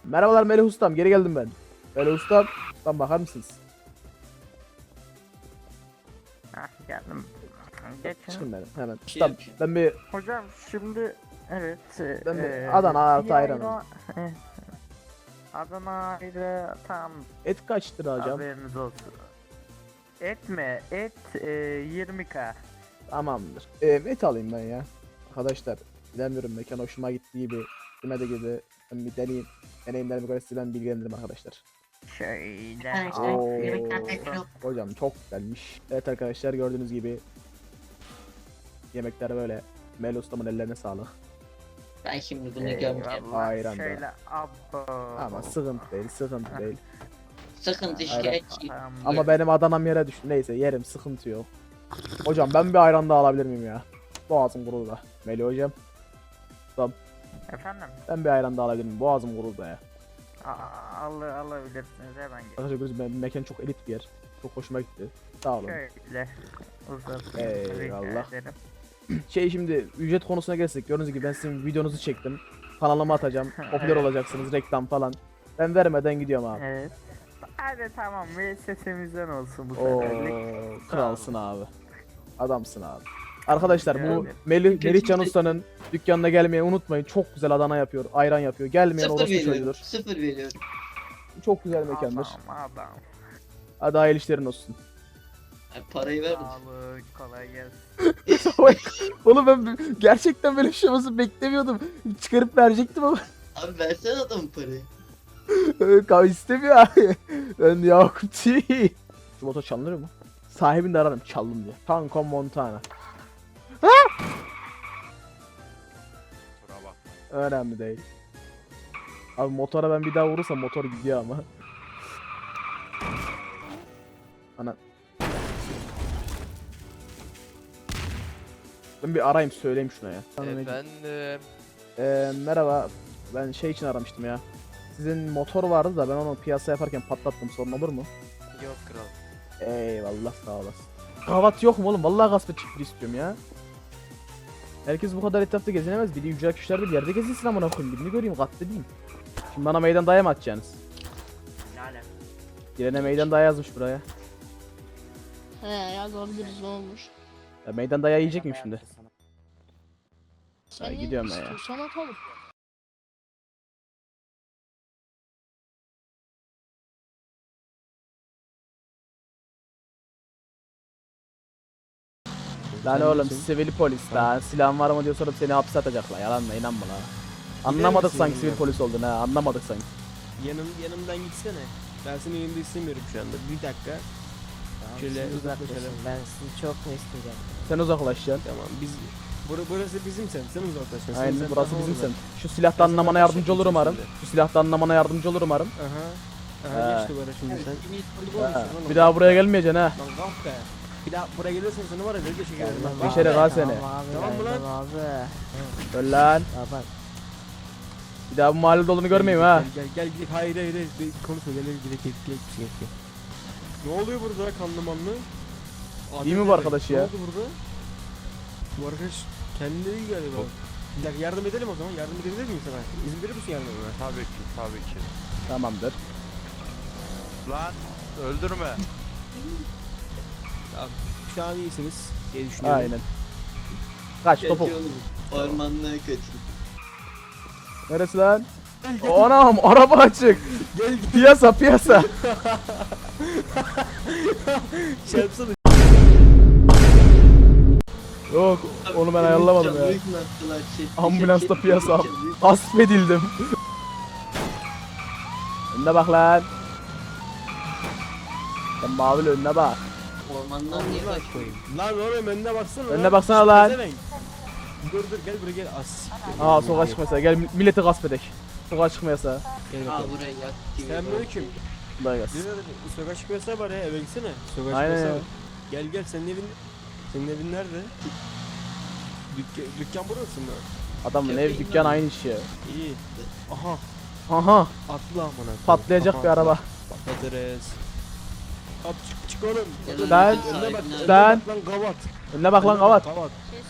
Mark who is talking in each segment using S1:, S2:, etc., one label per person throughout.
S1: Merhabalar Melih Ustam, geri geldim ben. Melih Ustam, bakar mısınız?
S2: Geldim. Geçin.
S1: Çıkın benim hemen.
S3: Şey
S1: Ustam,
S3: yapayım.
S1: ben bir
S2: Hocam şimdi evet.
S1: Ben bir Adana artı
S2: bir
S1: ayran
S2: ayran- evet. Adana ayrı tam
S1: et kaç lira hocam?
S2: haberiniz olsun. Et mi? Et 20k.
S1: Tamamdır. Et alayım ben ya. Arkadaşlar, bilemiyorum, mekan hoşuma gittiği gibi, demedi gibi. Ben bir deneyeyim. Deneyimlerime göre size ben bilgilendiririm arkadaşlar.
S2: Şöyle.
S4: Arkadaşlar,
S1: Oo,
S4: yemekler tekrar yok.
S1: hocam çok güzelmiş. Evet arkadaşlar, gördüğünüz gibi yemekler böyle. Melih Ustam'ın ellerine sağlık.
S4: Ben şimdi bunu gömeceğim.
S2: Eyvallah.
S1: Ayran da.
S2: Şöyle abo.
S1: Ama sıkıntı değil, sıkıntı değil.
S4: Sıkıntı
S1: Ayran.
S4: şikayet.
S1: Ama benim Adana'm yere düştü. Neyse, yerim, sıkıntı yok. Hocam ben bir ayran daha alabilir miyim ya? Boğazım kurudu da. Melih hocam,
S2: Efendim?
S1: ben bir ayran daha alabilir miyim? Boğazım kurudu da ya.
S2: Alabilirsiniz hemen gel.
S1: Arkadaşlar gördüğünüz gibi mekan çok elit bir yer. Çok hoşuma gitti. Sağ olun.
S2: Şöyle uzatın.
S1: Eyvallah.
S2: Rica ederim.
S1: Şimdi ücret konusuna gelsek, gördüğünüz gibi ben sizin videonuzu çektim. Kanalıma atacağım. Popüler
S2: Evet.
S1: olacaksınız, reklam falan. Ben vermeden gidiyorum abi.
S2: Evet. Hadi tamam müessesemizden olsun bu
S1: Oo,
S2: seferlik.
S1: kralsın abi. Adamsın abi. Arkadaşlar bu
S2: Evet.
S1: Melih Can Usta'nın dükkanına gelmeyi unutmayın. Çok güzel Adana yapıyor, ayran yapıyor. Gelmeyen
S4: Sıfır
S1: orospu
S4: veriyorum.
S1: çocuğudur.
S4: Sıfır veriyorum.
S1: Çok güzel mekandır.
S2: Adam.
S1: Hadi hayırlı işlerin olsun.
S4: Ay, parayı verdim.
S2: Sağlık kolay gelsin.
S1: Oğlum ben gerçekten böyle bir şey olmasını beklemiyordum. Çıkarıp verecektim ama
S4: Abi versene adamın parayı.
S1: kahve istemiyor abi. Ben Yakup değil. Şu motor çalınır mı? Sahibini de ararım, çaldım diye. Tanko Montana. Önemli değil. Abi motora ben bir daha vurursam motor gidiyor ama. Ana. Ben bir arayayım, söyleyeyim şuna ya.
S5: Efendim.
S1: Merhaba. Ben şey için aramıştım ya. Sizin motor vardı da ben onu piyasa yaparken patlattım. Sorun olur mu?
S5: Yok kral.
S1: Eyvallah, sağ olasın. Kahvaltı yok mu oğlum? Vallahi gasp çiftliği istiyorum ya. Herkes bu kadar etrafta gezinemez. Biri ücret kişilerde bir yerde gezinsin amına koyayım. Birini göreyim, katledeyim. Şimdi bana meydan daya mı atacaksınız? Girene meydan daya yazmış buraya.
S6: He yazabiliriz ne olmuş.
S1: Ya meydan daya yiyecek miyim şimdi?
S6: Sen
S1: Ya
S6: ne
S1: gidiyorum ben ya.
S6: istiyorsan atalım.
S1: Lan oğlum sivil polis lan. Silahın var mı diyor, sorup seni hapse atacaklar. Yalan da inanma lan. Anlamadık
S7: misin
S1: sanki
S7: ya?
S1: sivil polis olduğunu ha. Anlamadık sanki.
S7: Yanımdan gitsene. Ben senin yanında istemiyorum şu anda. Bir dakika. Şöyle uzaklaşalım.
S8: Ben sizi çok mu isteyeceğim?
S1: Sen uzaklaşacaksın.
S7: Tamam biz burası bizim sen. Sen uzaklaşacaksın.
S1: Aynen,
S7: Sen
S1: burası
S7: daha
S1: bizim
S7: orada.
S1: sen. Şu silahta
S7: Ben
S1: anlamana
S7: sana
S1: yardımcı olur umarım.
S7: şimdi.
S1: Şu silahta anlamana yardımcı olur umarım.
S7: Aha.
S1: He.
S7: Aha geç duvara şimdi sen.
S1: Bir daha buraya gelmeyeceksin ha.
S7: Lan kalk be. Bir daha buraya gelirsen seni var ya böyle çekerim lan.
S1: Bir şere kal seni.
S8: Tamam abi.
S7: Tamam mı lan?
S8: Tamam abi.
S1: Öl lan.
S8: Baba.
S1: Bir daha bu mahallede olduğunu görmeyeyim ha.
S7: Gel gidelim. Hayır. Konuşma gel gidelim. Gel. Ne oluyor burada kanlı manlı?
S1: İyi mi bu arkadaş ya?
S7: Ne oldu burada? Bu arkadaş kendine değil galiba. Bir dakika yardım edelim o zaman. Yardım edebilir miyim sana? İzin verir misin yardım etmeme?
S5: Tabii ki, tabii ki.
S1: Tamamdır.
S5: Lan öldürme.
S7: Şu an iyisiniz diye düşünüyorum.
S1: Aynen. Kaç topuk.
S4: Kaçıyorum. Ormanlığa kaçın.
S1: Neresi lan? Anam, araba açık.
S7: Gel
S1: Piyasa piyasa.
S7: şey yapsana.
S1: Yok, onu ben ayarlamadım ya.
S4: Çabuk attılar,
S1: Ambulansta piyasa. Gasp edildim. Önüne bak lan. Sen mavili önüne bak.
S4: Ormandan niye kaçmayın?
S7: Lan oğlum önüne baksana.
S1: Önüne baksana lan.
S7: Pezevenk. Dur gel buraya gel. As.
S1: Aa, sokağa çıkmasa. Gel milleti gasp edek. Sokağa çıkmayasa.
S7: Gel
S4: Aa
S7: bakalım.
S4: buraya yak.
S7: Selamünaleyküm.
S1: Kolay gelsin.
S7: Sokağa çıkmasa var ya eve gitsene. Sokağa
S1: Aynen.
S7: çıkmasa var. Gel senin evin nerede? Dükkan burası mı?
S1: Adamın ev dükkan aynı iş ya.
S7: İyi. Aha
S1: Aha,
S7: atla amına.
S1: patlayacak
S7: Aha,
S1: bir araba.
S7: Patlatırız. At çık oğlum.
S1: Ben-
S7: Önüne bak.
S1: ben-
S7: Önüne bak lan gavat.
S1: Önüne bak lan kavat.
S7: Gavat.
S6: Şey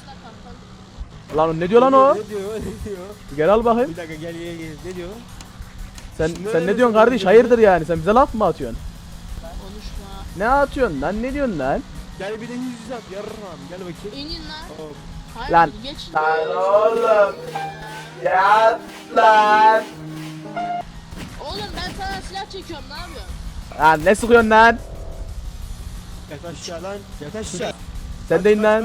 S6: sıra kapalı.
S1: Lan ne diyor lan o?
S7: Ne diyor? Ne diyor?
S1: Gel al bakayım.
S7: Bir dakika gel. Ne diyor?
S1: Sen ne diyorsun kardeş? Hayırdır yani? Sen bize laf mı atıyorsun?
S6: Konuşma.
S1: Ne atıyorsun lan? Ne diyorsun lan?
S7: Gel bir de yüz at yarram gel bakayım.
S6: İnin lan.
S7: Hop.
S6: Hayır
S1: Lan.
S6: geç.
S1: Oğlum. Ya lan.
S6: Oğlum ben sana silah çekiyorum ne yapıyorsun?
S1: Lan ne sıkıyorsun lan?
S7: Yat aşağı lan. Yat aşağı.
S1: Sen de in lan.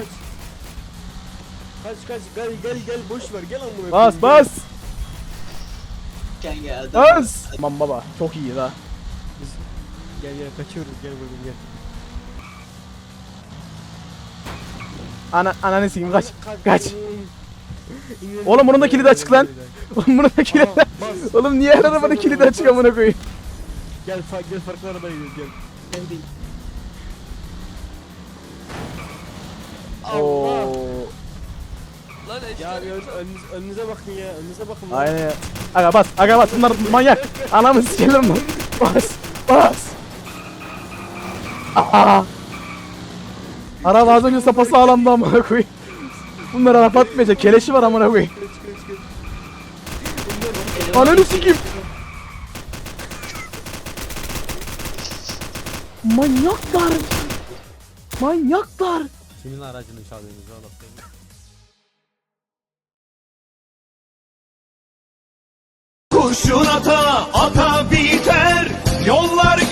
S7: Kaç gel boş ver gel amına
S1: Bas
S7: koyayım,
S1: bas.
S4: Kanka adam.
S1: Bas. Aman baba çok iyi la.
S7: Gel kaçıyoruz gel bakayım gel.
S1: Ananı sikeyim kaç. Kaç. Oğlum bunun da kilidi açık lan. Oğlum bunun da kilidi.
S7: Bas.
S1: Oğlum niye her arabanın kilidi açık amına koyayım?
S7: Gel farklı arabaya gidiyoruz gel.
S1: Oo.
S5: Lan
S7: Ya bir önünüze bakın ya önünüze bakın. lan.
S1: Aynen. Aga bas bunlar manyak. Anamı sikerim lan. Bas. Aa. Araba az önce sapası sağlamdı amına koyayım. Bunlar araba atmayacak. Keleşi var amına koyayım. Ananı sikeyim. Manyaklar. Manyaklar.
S3: Kimin aracını çalıyorsunuz oğlum?
S8: Kurşun ata ata biter, yollar